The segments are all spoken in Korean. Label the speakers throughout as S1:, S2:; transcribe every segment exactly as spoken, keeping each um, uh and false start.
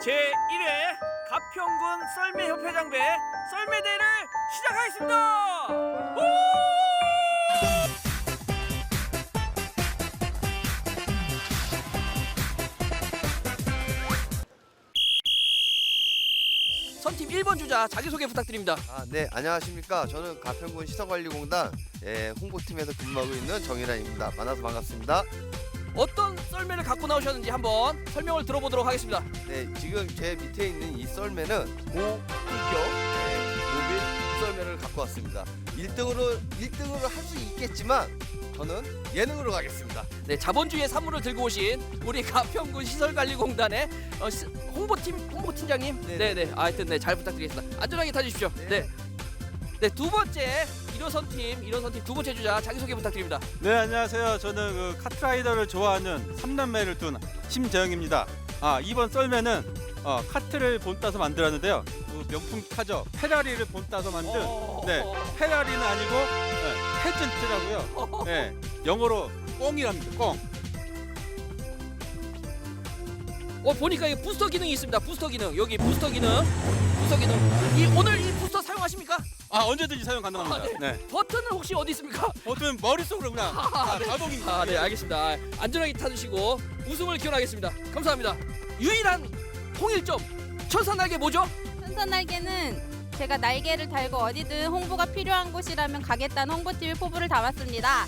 S1: 제일 회 가평군 썰매협회장배 썰매대회를 시작하겠습니다. 우! 선팀 일 번 주자 자기소개 부탁드립니다.
S2: 아, 네, 안녕하십니까. 저는 가평군 시설관리공단 예, 홍보팀에서 근무하고 있는 정일환입니다. 만나서 반갑습니다.
S1: 어떤 썰매를 갖고 나오셨는지 한번 설명을 들어보도록 하겠습니다.
S2: 네, 지금 제 밑에 있는 이 썰매는 고품격 예, 모빌 썰매를 갖고 왔습니다. 일 등으로 일 등으로 할 수 있겠지만 저는 예능으로 가겠습니다.
S1: 네, 자본주의의 산물을 들고 오신 우리 가평군 시설관리공단의 어, 시, 홍보팀 홍보팀장님. 네,
S2: 네네.
S1: 네. 하여튼 네, 잘 부탁드리겠습니다. 안전하게 타주십시오.
S2: 네.
S1: 네. 네, 두 번째 일호선팀 일호선팀 두 번째 주자 자기소개 부탁드립니다.
S3: 네, 안녕하세요. 저는 그 카트라이더를 좋아하는 삼남매를 둔 심재영입니다. 아, 이번 썰매는 어, 카트를 본따서 만들었는데요. 그 명품 카죠. 페라리를 본따서 만든
S1: 어...
S3: 네, 페라리는 아니고 네, 페전트라고요. 네, 영어로 꽁이랍니다. 꽁.
S1: 어, 보니까 이 부스터 기능이 있습니다. 부스터 기능. 여기 부스터 기능. 부스터 기능. 이 오늘 이 부스터 사용하십니까?
S3: 아, 언제든지 사용 가능합니다.
S1: 아, 네.
S3: 네.
S1: 버튼은 혹시 어디 있습니까?
S3: 버튼 머릿속으로 그냥 아, 자동입니다.
S1: 아, 네, 알겠습니다. 아, 안전하게 타주시고 우승을 기원하겠습니다. 감사합니다. 유일한 통일점 천사날개 뭐죠?
S4: 천사날개는 제가 날개를 달고 어디든 홍보가 필요한 곳이라면 가겠다는 홍보팀의 포부를 담았습니다.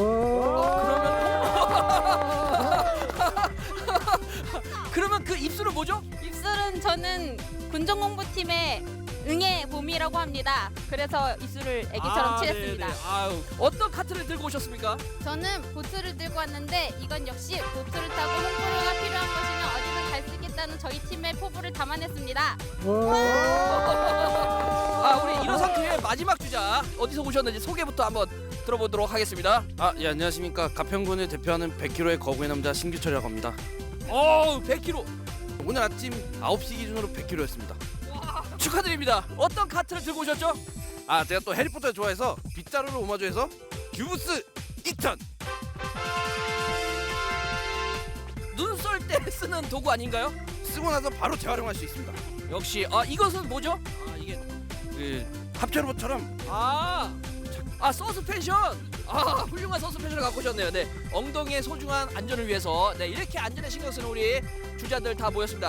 S1: 그러면 그 입술은 뭐죠?
S4: 입술은 저는 군정 홍보팀의 응애 봄이라고 합니다. 그래서 입술을 애기처럼
S1: 아,
S4: 칠했습니다.
S1: 네네. 아유, 어떤 카트를 들고 오셨습니까?
S4: 저는 보트를 들고 왔는데 이건 역시 보트를 타고 홍보가 필요한 곳이면 어디든 갈 수 있겠다는 저희 팀의 포부를 담아냈습니다.
S1: 아, 우리 일호선 팀의 마지막 주자 어디서 오셨는지 소개부터 한번 들어보도록 하겠습니다.
S5: 아, 예, 안녕하십니까. 가평군을 대표하는 백 킬로그램의 거구의 남자 신규철이라고 합니다.
S1: 오, 백 킬로그램.
S5: 오늘 아침 아홉 시 기준으로 백 킬로그램였습니다.
S1: 축하드립니다. 어떤 카트를 들고 오셨죠?
S5: 아, 제가 또 해리포터를 좋아해서 빗자루를 오마주해서 큐브스 이천.
S1: 눈 쏠 때 쓰는 도구 아닌가요?
S5: 쓰고 나서 바로 재활용할 수 있습니다.
S1: 역시. 아, 이것은 뭐죠?
S5: 아, 이게 그 합체로봇처럼
S1: 아, 아 서스펜션. 아, 훌륭한 서스펜션을 갖고 오셨네요. 네, 엉덩이의 소중한 안전을 위해서 네, 이렇게 안전에 신경 쓰는 우리 주자들 다 모였습니다.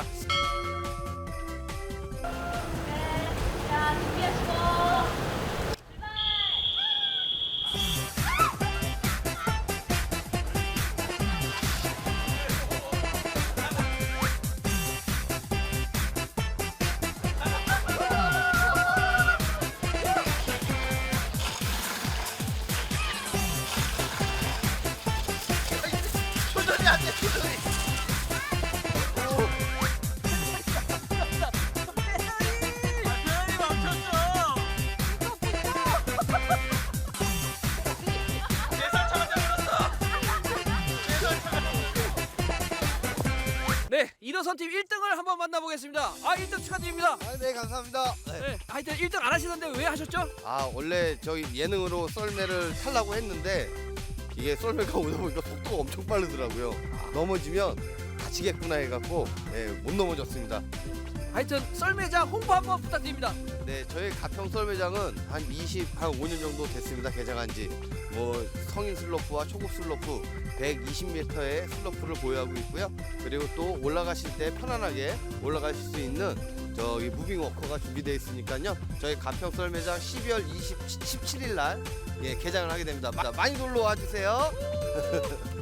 S4: 자, 준비하시고.
S2: 조절이 안 돼, 조절이.
S1: 네, 일호선 팀 일 등을 한번 만나보겠습니다. 아, 일 등 축하드립니다.
S2: 아, 네, 감사합니다. 네.
S1: 네, 하여튼 일 등 안 하시는데 왜 하셨죠?
S2: 아, 원래 저희 예능으로 썰매를 타려고 했는데 이게 썰매가 오다 보니까 속도가 엄청 빠르더라고요. 넘어지면 다치겠구나 해갖고 예, 못 넘어졌습니다.
S1: 하여튼 썰매장 홍보 한번 부탁드립니다.
S2: 네, 저희 가평 썰매장은 한 이십, 한 오 년 정도 됐습니다. 개장한 지. 뭐 성인 슬로프와 초급 슬로프 백이십 미터의 슬로프를 보유하고 있고요. 그리고 또 올라가실 때 편안하게 올라가실 수 있는 저기 무빙 워커가 준비되어 있으니까요. 저희 가평 썰매장 십이월 십칠일 날 예, 개장을 하게 됩니다. 많이 놀러 와 주세요.